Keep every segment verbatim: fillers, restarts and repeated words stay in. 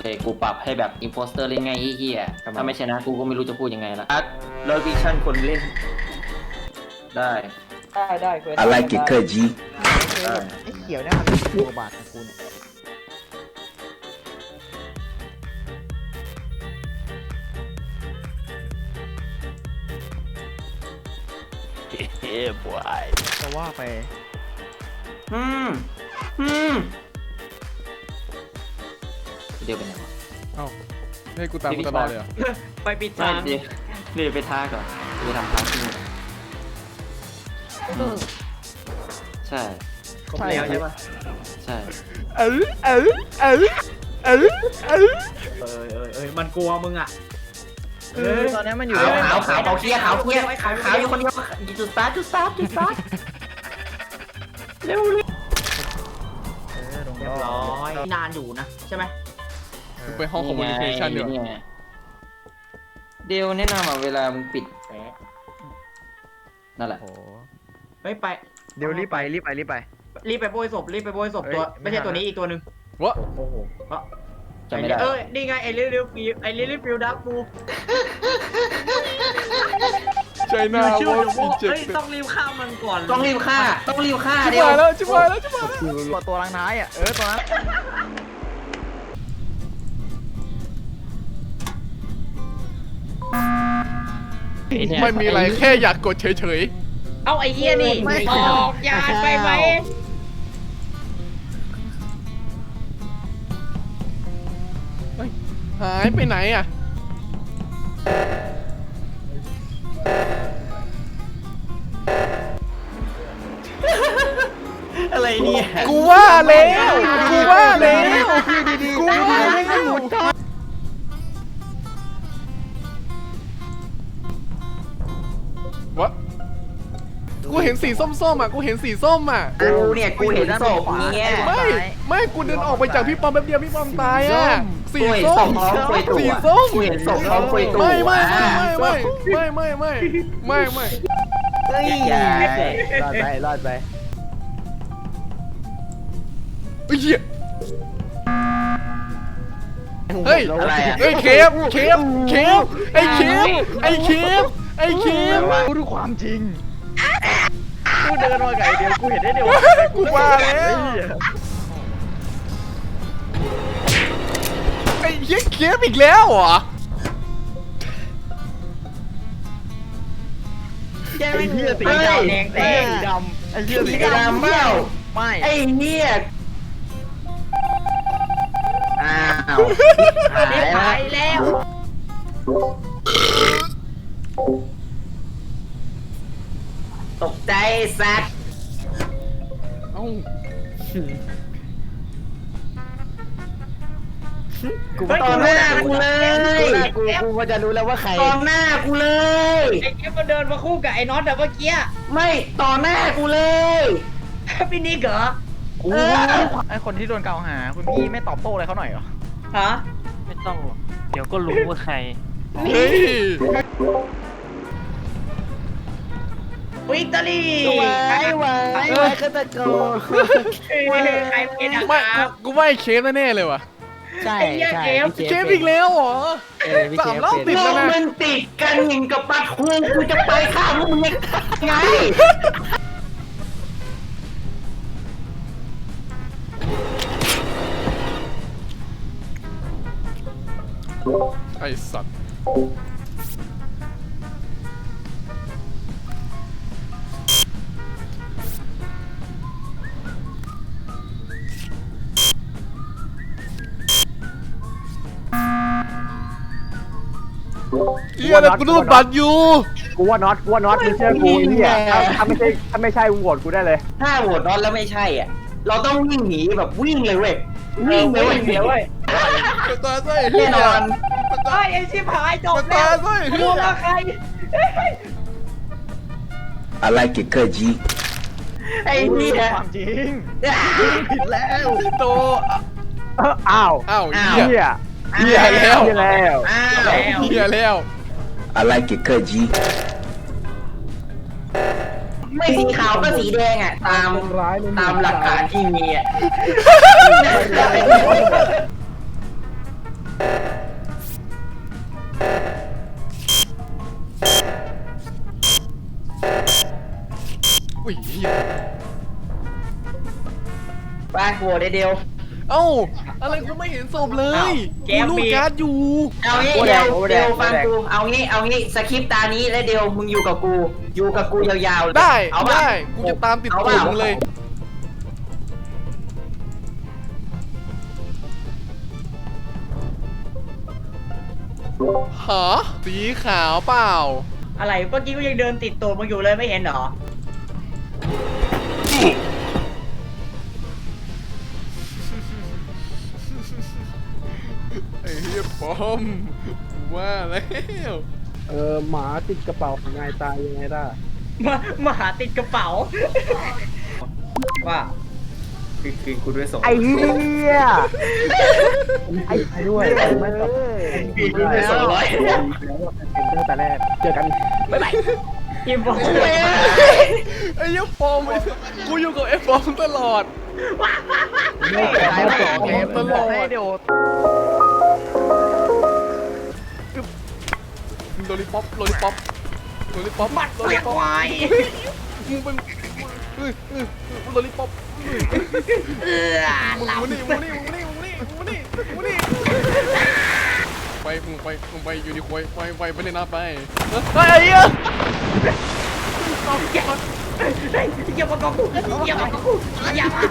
กูปรับให้แบบอินโฟสเตอร์เล่นง่ายเฮี้ยๆถ้าไม่ชนะกูก็ไม่รู้จะพูดยังไงละอาร์ตแล้ววิชั่นคนเล่น ได้ได้ได้เคย I like it เคยจีไอ้เขียวเนี่ยมันเป็นตัวบาทของคุณเฮ้ยบอยจะว่าไปอืมอืมเดี๋ยวไปไหนวะเอ้าให้กูตามกูตลอดเลยเหรอไปปิดไม่ทางเดี๋ยวเดี๋ยวไปท่าก่อนเดี๋ยวทำท่าที่นู่นใช่ครบแล้วใช่ปะใช่เออเออเออเออเออเออเออเออมันกลัวมึงอ่ะคือตอนนี้มันอยู่ขาวในขาวขาวขาวเคลียร์ขาวเคลียร์ขาวขาวอยู่คนเดียวจุดสตาร์ทจุดสตาร์ทจุดสตาร์ทเร็วเร็วเออตรงเรียบร้อยนานอยู่นะใช่ไหมกูไปห้องคอมมูนิเคชันดีกว่าไงเดี๋ยวแนะนำอ่ะเวลามึงปิดแปะนั่นแหละโอ้โหเฮ้ยไปเดี๋ยวรีบไปรีบไปรีบไปรีบไปโบยศพรีบไปโบยศพเฮ้ยตัวไม่ไม่ใช่ทันตัวนี้อีกตัวหนึ่งวะโอ้โหจำไม่ได้เออนี่ไงไอ้ลิลิฟิวไอ้ลิลิฟิวดักฟูใจหน้าชื่อว่าเดี๋ยวโบมีเจ็บเฮ้ยต้องรีบฆ่ามันก่อนต้องรีบฆ่าต้องรีบฆ่าชิบเดี๋ยวหายแล้วชิบหายแล้วชิบหายแล้วตัวตัวรังท้ายอ่ะเออตัวนั้นไม่มีอะไรแค่อยากกดเฉยเอาไอ้เหี้ยนี่ออกยานไปไหมๆหายไปไหนอ่ะอะไรเนี่ยกูว่าแล้วกูว่าแล้วกูว่าแล้ววะกูเห็นสีส้มๆอ่ะกูเห็นสีส้มอ่ะกูเนี่ยกูเห็นศพเนี่ยไม่ไม่กูเดินออกไปจากพี่ปอมแป๊บเดียวพี่ปอมตายอ่ะสีกูเห็นส้ศมพพร้อมคุยตัวสีส้มกูเห็นศพพร้อมคุยตัวไม่ไม่ไม่ไม่ไม่ไม่ไม่ไม่ไม่เฮ้ยรอดไปรอดไปเฮ้ยเฮ้ยอะไรอ่ะเฮ้ยเคฟเคฟเคฟไอ้เคฟไอ้เคฟไอ้เคฟกูดูความจริงกูเดินมาไก่เดียวกูเห็นได้เดียวกูว่าแล้วไอ้เหี้ยเคฟอีกแล้วเหรอไอ้เหี้ยสีดำแดงแดงดำไอ้เหี้ยสีสีดำเปล่าไม่ไอ้เนี่ยอ้าวหายแล้ว ตกใจสัตว์เอ้ากูตอนหน้ากูเลยกูกูพอจะรู้แล้วว่าใครตอนหน้ากูเลยไอ้เนี้ยมันเดินมาคู่กับไอ้น็อตแต่เมื่อกี้ไม่ต่อหน้ากูเลยพี่นิกเหรอกูไอคนที่โดนกล่าวหาคุณพี่ไม่ตอบโต้อะไรเขาหน่อยเหรอฮะไม่ต้องหรอกเดี๋ยวก็รู้ว่าใครเฮ้ยวิกตอรี่ไว้ไว้ไว้ฆาตกรใครเป็นอะไม่ครับกูว่าไอ้เคฟแน่ๆเลยว่ะใช่ใช่เคฟอีกแล้วเหรอ สามรอบติดพวกมันติดกันอย่างกับปลาทูกูจะไปข้ามพวกมึงยังไงไอ้สัตว์เฮียนะกูรูดบัตรอยู่กูว่าน็อตกูว่าน็อตมึงเชื่อกูไอ้เหี้ยถ้าถ้าไม่ใช่ถ้าไม่ใช่มึงโหวตกูได้เลยถ้าโหวตน็อตแล้วไม่ใช่อ่ะ เราต้องวิ่งหนีแบบวิ่งเลยเว้ย วิ่งเลยเว้ยเดี๋ยวเว้ยตาไส้แน่นอนไอ้ไอ้ชิบหายจบตาแล้วไส้กลัวกับใคร I like it เคยจีไอ้เนี่ยความจริงผิดแล้วพี่โตอ้าวอ้าวอ้าวเฮียเหี้ยเหี้ยแล้วเหี้ยแล้วอ้าวเฮียแล้ว I like it เคยจีไม่สีขาวก็สีแดงอ่ะ ตามตามหลักฐานที่มีอ่ะอุ้ยเหี้ยไปโหวตไอเดียวเอ้าอะไรกูไม่เห็นศพเลยกูลูกการ์ดอยู่เอางี้เดียวเดียวฟังกูเอางี้เอางี้สคริปต์ตานี้และเดียวมึงอยู่กับกูอยู่กับกูยาวๆได้เอาป่ะได้กูจะตามติดเอาตัวป่ะมึงเลยหาสีขาวเปล่าอะไรเมื่อกี้กูยังเดินติดตัวมึงอยู่เลยไม่เห็นเหรอไอ้เหี้ยปอมว่าแล้วเออหมาติดกระเป๋าไงตายยังไงได้มามาหาติดกระเป๋า ว่าคือคือกูด้วยส่งไอ้เหี้ยไอ้ไอ้ด้วยไม่ต้องคือกูด้วยส่งร้อยเป็นตั้งแต่แรกเจอกันบ๊ายบายอีบอกไอ้เหี้ยปอมไอ้กูอยู่กับไอ้ปอมตลอดไม่แก่ไม่แก่ปอมตลอดเดี๋ยวโลลิปอปโลลิปอปโลลิปอปบัดโลเสีลิยปอปควายมึงเป็นเออเออโลลิปอปเออมึงหลับมานี่มึงมานี่มึงมานี่มึงมานี่มึงมานี่มึงมานี่ไปมึงไปมึงไปอยู่ดีควายไปไปไปในน้ำไปเฮ้ยไอ้เหี้ยอย่ามากองกูอย่ามากองกูอย่ามา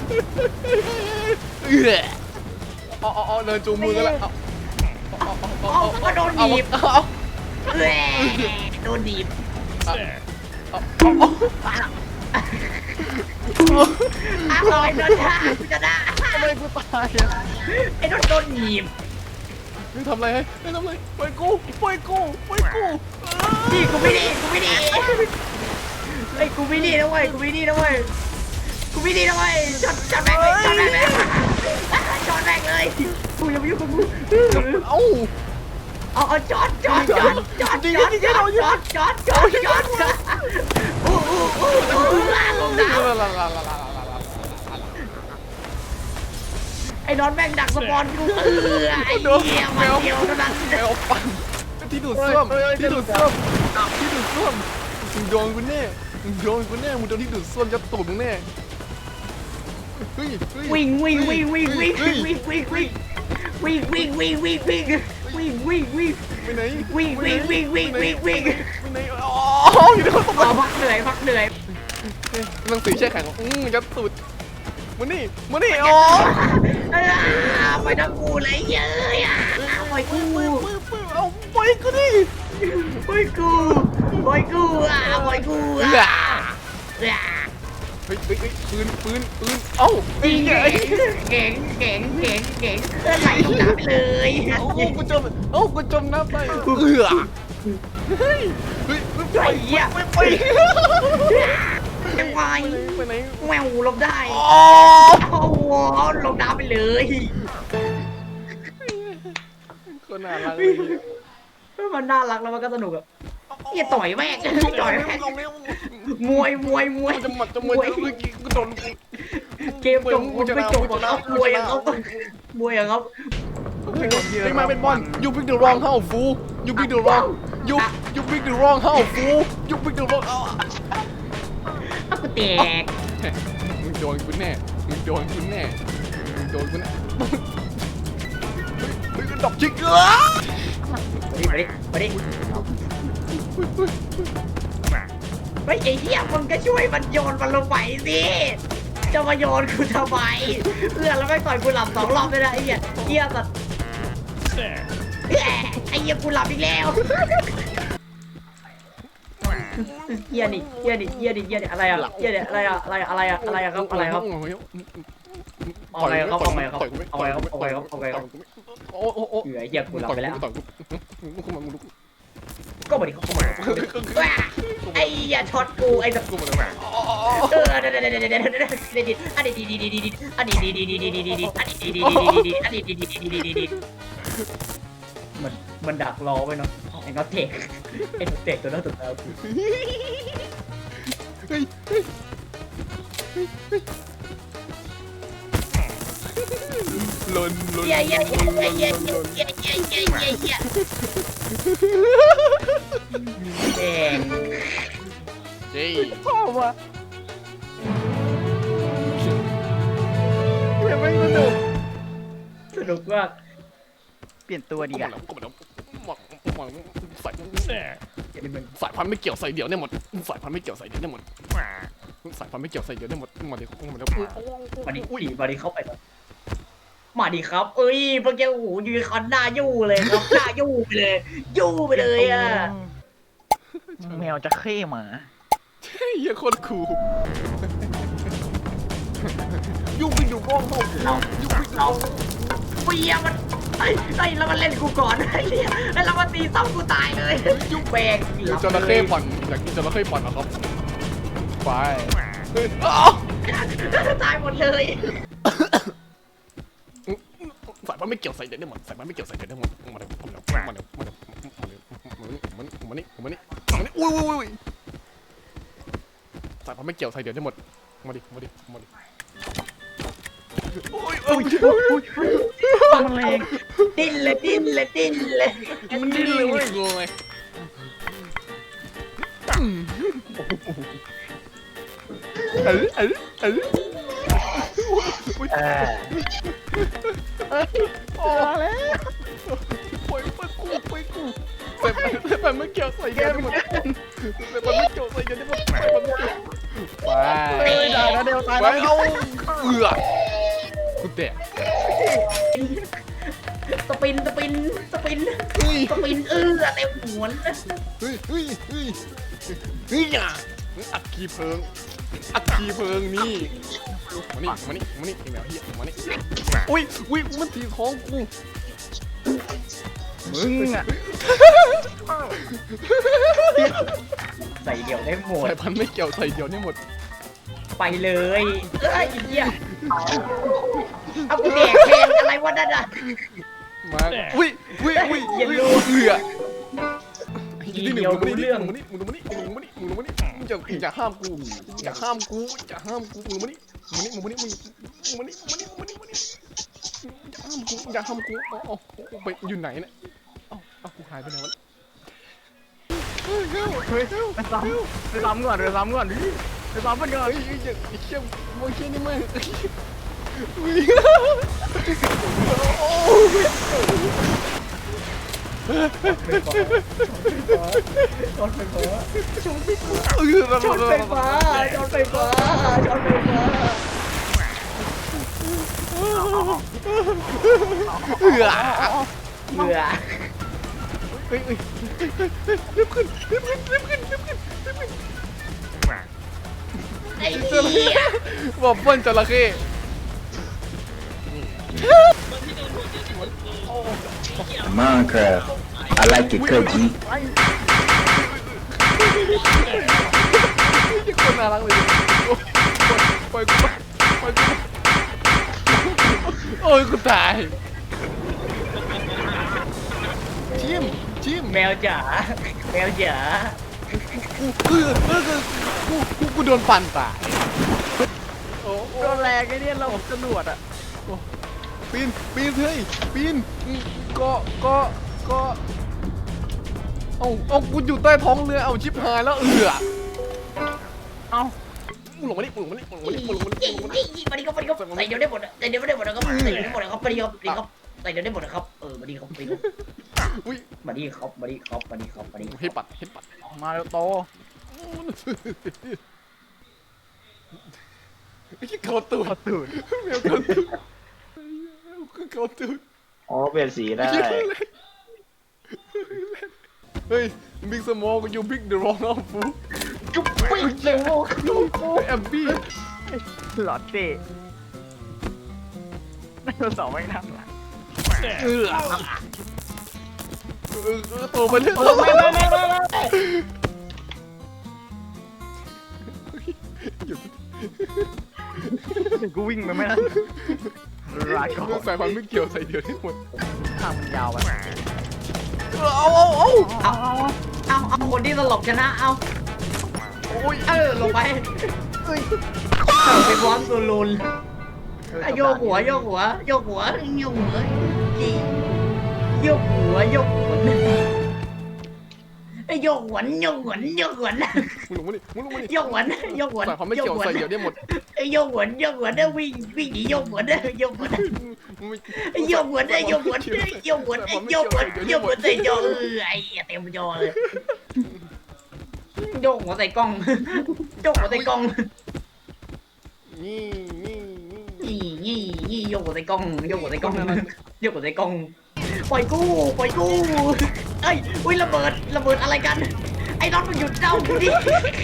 เอออ๋ออ๋อเดินจูงมือกันแล้วเอาก็โดนหนีบเอาเอาแหวโดนหนีบ อร่อยโดนท่ากูจะได้ทำไมกูตายอ่ะไอ้โดนโดนหนีบมึงทำอะไรให้ทำอะไรปล่อยกูปล่อยกูปล่อยกูนี่กูไม่ดีกูไม่ดีไอ้กูไม่ดีนะเว้ยกูไม่ดีนะเว้ยกูไม่ดีนะเว้ยช็อตช็อตแม่งเลยช็อตแม่งเลยช็อตแม่งเลยกูยังไม่ยุ่งกับกูเอ้าเอาเอาจอดจอดจอดจอดจอดจอดจอดจอดจอดจอดอู้อู้อู้อู้ลาลงน้ำไอ้นอนแม่งดักสปอนกูเออไอ้เหี้ยมันเดียวเท่านั้นแมวปั่นที่ดูดซ่วมที่ดูดซ่วมที่ดูดซ่วมมึงโดนกูแน่มึงโดนกูแน่มึงโดนที่ดูดซ่วมจะตูดมึงแน่เฮ้ยวิ่งวิ่งวิ่งวิ่งวิ่งวิ่งวิ่งวิ่งวิ่งวิ่งวิ่งวิ่งวิ่งวิ่งวิ่งวิ่งวิ่งไปไหนวิ่งวิ่งวิ่งวิ่งวิ่งวิ่งไปไหนอ๋ออยู่ในห้องตบเอาพักเหนื่อยพักเหนื่อยหนังสือแช่แข็งอืมจะตูดมานี่มานี่อ๋อไปทั้งกูเลยเยอะอ่ะปล่อยกูเอาไปกูดิปล่อยกูปล่อยกูอ่ะปล่อยกูอ่ะเฮ้ยเฮ้ยปืนปืนปืนเอ้าจริงเก่งเก่งเก่งเก่งเก่งเลื่อนไหลลงน้ำไปเลยเอ้ากูจมเอ้ากูจมน้ำไปเอือเฮ้ยเฮ้ยไอ้เหี้ยไปไปไอ้วายไปไหนแมวลงได้อ๋อโอ้โหลงน้ำไปเลยคนน่ารักเลยมันน่ารักแล้วมันก็สนุกอ่ะเฮียต่อยแม่งต่อยแม่งลงเร็วมวยมวยมวยจะหมัดจะมวยจะเมื่อกี้กูโดนเกมจบไม่จบหรอกครับมวยอะครับมวยอะครับไอ้มาเป็นบอลยูพิกเดอะรองเฮ้าฟูยูพิกเดอะรองยูยูพิกเดอะรองเฮ้าฟูยูพิกเดอะรองเอ้าเอากูแตกมึงโดนกูแน่มึงโดนกูแน่มึงโดนกูแน่เฮ้ยดอกจิกเกอร์มาดิมาดิเฮ้ยไอ้เหี้ยมึงก็ช่วยมันโยนมันลงไปสิจะมาโยนกูทำไมเพื่อนแล้วไม่ต่อยกูหลับสองรอบเลยนะไอ้เหี้ยเหี้ยสัตว์ไอ้เหี้ยกูหลับอีกแล้วเหี้ยนี่เหี้ยนี่เหี้ยนี่เหี้ยนี่อะไรอะเหี้ยนี่อะไรอะอะไรอะไรอะอะไรอะครับอะไรครับเอาไงครับเอาไงครับเอาไงครับเอาไงครับเอาไงครับโอ้โอ้โอ้เหนื่อยเหี้ยกูหลับไปแล้วต่อยกูกูมามึงดูก็มาดิเข้ามาไอ้อย่าช็อตกูไอ้สัตว์กูมาแล้วเออเดี๋ยวเดี๋ยวเดี๋ยวเดี๋ยวเดี๋ยวเดี๋ยวเดี๋ยวอันนี้ดีดีดีดีดีอันนี้ดีดีดีดีดีดีดีอันนี้ดีดีดีดีดีอันนี้ดีดีดีดีดีดีมันมันดักรอไว้เนาะไอ้น็อตเทคไอ้น็อตเทคตัวนั้นตัวนั้นกูเฮ้ยเฮ้ยลนลนเย้เย้เย้เย้เย้เย้เย้เย้เย้เย้เย้แดงเฮ้ยชอบว่ะเฮ้ยไม่สนุกสนุกมากเปลี่ยนตัวดีก็กมาว่าแล้วก็มาแล้วมาใส่สายพันธุ์ไม่เกี่ยวใส่เดี่ยวได้หมดสายพันธุ์ไม่เกี่ยวใส่เดี่ยวได้หมดสายพันธุ์ไม่เกี่ยวใส่เดี่ยวได้หมดมาดิมาแล้วมาดิดิมาดิเข้าไปเลยมาดิครับ เอ้ยพวกแกโอ้โหยูนิคอร์นหน้ายู่เลยครับหน้ายู่ไปเลยยู่ไปเลยอ่ะแมวจะเข้หมาเฮ้ยเหี้ยโคตรคูลยุ่งไปอยู่กล้องเขาเรายุ่งไปอยู่กล้เราองเปียมันไอ้ไอ้แล้วมันเล่นกูก่อนไอ้เหี้ยแล้วเรามาตีซ้ำกูตายเลยยุ่งแบกจระเข้ปั่นอยากกินจระเข้ปั่นนะครับไปเฮ้ยตายหมดเลยสายพันธุ์ไม่เกี่ยวใส่เดี่ยวได้หมดสายพันธุ์ไม่เกี่ยวใส่เดี่ยวได้หมดมาเดี๋ยวมาเดี๋ยวมาเดี๋ยวมาเดี๋ยวมาเดี๋ยวมานี่มานี่มานี่อุ้ยอุ้ยอุ้ยสายพันธุ์ไม่เกี่ยวใส่เดี่ยวได้หมดมาดิมาดิมาดิโอ้ยโอ้ยมันแรงดิ้นเลยดิ้นเลยดิ้นเลยมันดิ้นเลยเว้ยงงไงเออเออเออเออโอ้แล้วปล่อยปล่อยกูปล่อยกูแต่แต่แต่ไม่เกี่ยวใส่เดียวได้หมดแต่มันไม่เกี่ยวใส่เดียวได้หมดแต่มันไม่เกี่ยวไปเฮ้ยได้แล้วเดี๋ยวตายไปแล้วเอาเอือกูแตะสปินสปินสปินเฮ้ยสปินเออเต็มหัวเลยเฮ้ยเฮ้ยเฮ้ยเฮ้ยอย่าอัดคีเพลิงอัดคีเพลิงนี่มานี่มานี่มานี่ไอ้แมวเหี้ยมานี่อุ้ยอุ้ยมันตีท้องกูมึงอ่ะใส่เดี่ยวได้หมดสายพันธุ์ไม่เกี่ยวใส่เดียวนี่หมดไปเลยเอ้ยไอ้เหี้ยเอากูแดกแทนอะไรวะนั่นอ่ะมาอุ้ยอุ้ยอุ้ยอย่ารู้เอือทีเดียวรู้เรื่องมึงมานี่มึงมานี่มึงมานี่มึงมานี่มึงอย่าอย่าห้ามกูอย่าห้ามกูอย่าห้ามกูมึงมานี่มึงมานี่มึงมานี่มึงมานี่มึงมานี่มึงมานี่อย่าห้ามกูอย่าห้ามกูเอาเอาไปอยู่ไหนเนี่ยเอาเอากูหายไปไหนวะเฮ้ยเฮ้ยเฮ้ยไปซ้ำไปซ้ำก่อนไปซ้ำก่อนดิไปซ้ำมันก่อนเฮ้ยอย่าไอ้เชี่ยโมเชี่ยนี่แม่งช็อตไฟฟ้าช็อตช็อตไฟฟ้าช็อตไฟฟ้าช็อตไฟฟ้าเอือเบื่อเฮ้ยเฮ้ยรีบขึ้นรีบขึ้นรีบขึ้นรีบขึ้นรีบขึ้นไอ้เหี้ยบอกเปิ้ลจระเข้ Minecraft. I like it, cuz G. ยี่คนน่ารักเลยปล่อยกูปล่อยกูโอ้ยกูตายชิมชิมแมวจ๋าแมวจ๋ากูคือเออกูกูกูโดนปั่นตายโอ้โดนแรงไอ้เนี่ยเราจรวดอ่ะปีนปีนเฮ้ยปีนก็ก็ก็เอาเอากูอยู่ใต้ท้องเรือเอาชิบหายแล้วเอือเอ้ามึงลงมาดิมึงลงมาดิมึงลงมาดิมึงลงมาดิมึงลงมาดิมาดิครับมาดิครับใส่เดียวได้หมดใส่เดียวได้หมดนะครับใส่เดียวได้หมดนะครับมาดิครับมาดิครับใส่เดียวได้หมดนะครับเออมาดิครับมาดิครับอุ้ยมาดิครับมาดิครับมาดิครับมาดิให้ปัดให้ปัดมาเร็วโตไอ้เกาตูดขอตูดแมวเกาตูดเกาตูดอ๋อเปลี่ยนสีได้เฮ้ยบิ๊กสมอลกูยูบิ๊กเดอะรองเอาฟูจุ๊บปิ๊กเร็วแอมบี้หลอดเต้ไดโนเสาร์ไม่นั่งหลังเออเออตัวมันเล่นโอ้ไม่ไม่ไม่ไม่ไม่กูวิ่งไปไม่ได้ลาก่อนเรื่องสายพันธุ์ไม่เกี่ยวใส่เดียวที่หมดทางมันยาวไปเอาเอาเอาเอาเอาเอาคนที่ตลกชนะเอาโอ้ยเออลงไปเฮ้ยไปพร้อมตัวลุนโยกหัวโยกหัวโยกหัวโยกหัวจีโยกหัวโยกหัวไอ้อ้โยกหวนโยกหวนโยกหวนมึงลงมาดิมึงลงมาดิโยกหวนโยกหวนใส่ความไม่เกี่ยวใส่เดี๋ยวได้หมดไอ้โยกหวนโยกหวนเนี่ยวิ่งวิ่งหนีโยกหวนเนี่ยโยกหวนมึงไม่ไอ้โยกหวนไอ้โยกหวนไอ้โยกหวนไอ้โยกหวนโยกหวนใส่จอเออไอ้เต็มจอเลยโยกหัวใส่กล้องโยกหัวใส่กล้องนี่นี่นี่นี่นี่นี่โยกหัวใส่กล้องโยกหัวใส่กล้องโยกหัวใส่กล้องปล่อยกู้ปล่อยกู้เอ้ยอุ้ยระเบิดระเบิดอะไรกันไอ้น็อตมันหยุดเจ้ากูดิ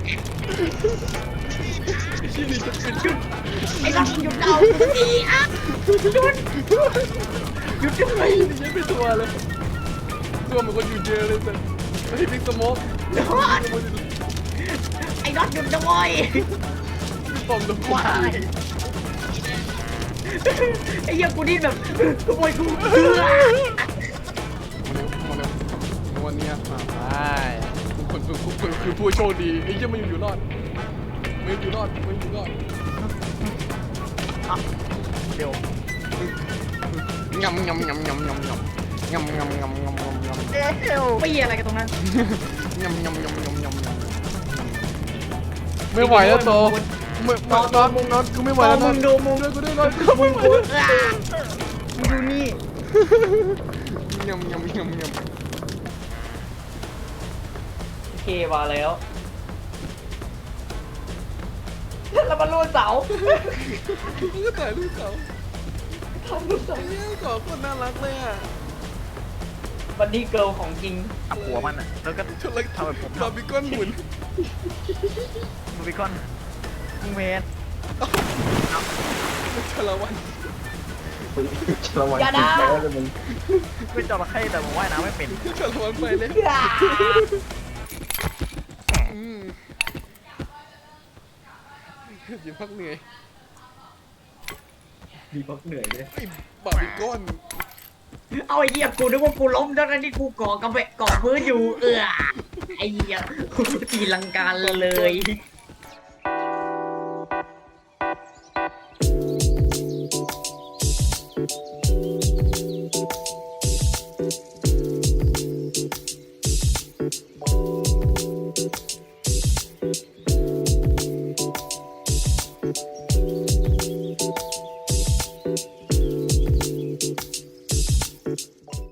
ที่นี่จะเป็นชุดไอ้น็อตมันหยุดเจ้ากูดิอ่ะหยุดหยุดด้วยนี่ยังไม่ตัวเลยตัวมันก็อยู่เจอเลยแต่ไอ้บิ๊กสโมกน็อตไอ้น็อตหยุดนะเว้ยปอมตัวว้ายไอ้เหี้ยกูดิ้นแบบขโมยกูเบื่อมาเร็วมาเร็ววันนี้มาไปคนคือคือคือผู้โชคดีไอ้ยังไม่อยู่รอดไม่อยู่รอดไม่อยู่รอดเดี๋ยวงำงำงำงำงำงำงำงำงำงำงำงำเดี๋ยวไม่อะไรกันตรงนั้นงำงำงำงำงำงำไม่ไหวแล้วโตไม่นอนนอนนอนกูไม่ไหวแล้วนอนดูมุมด้วยกูด้วยนอนกูมึงกูมึงดูนี่งำงำงำงำโอเคมาแล้วแล้วมันรูดเสามึงก็ถ่ายรูปเขาถ่ายรูปเขาเนี่ยสองคนน่ารักเลยอ่ะบันนี่เกิร์ลของจริงจับหัวมันอ่ะแล้วก็ชนเลยทำแบบผมบาร์บีคอนหมุนมูบิคอนมึงเมนชาละวันระวังอย่าด่าติดแล้วเลยมึงเป็นจระเข้แต่ผมว่ายน้ำไม่เป็นชาละวันไปเลยอืมยิ้มพักเหนื่อยดีพักเหนื่อยเลยไอ้บาร์บีคอนเอาไอ้เหี้ยกูนึกว่ากูล้มทั้งที่กูเกาะกำแพงเกาะพื้นอยู่เออไอ้เหี้ยตีลังกาเลย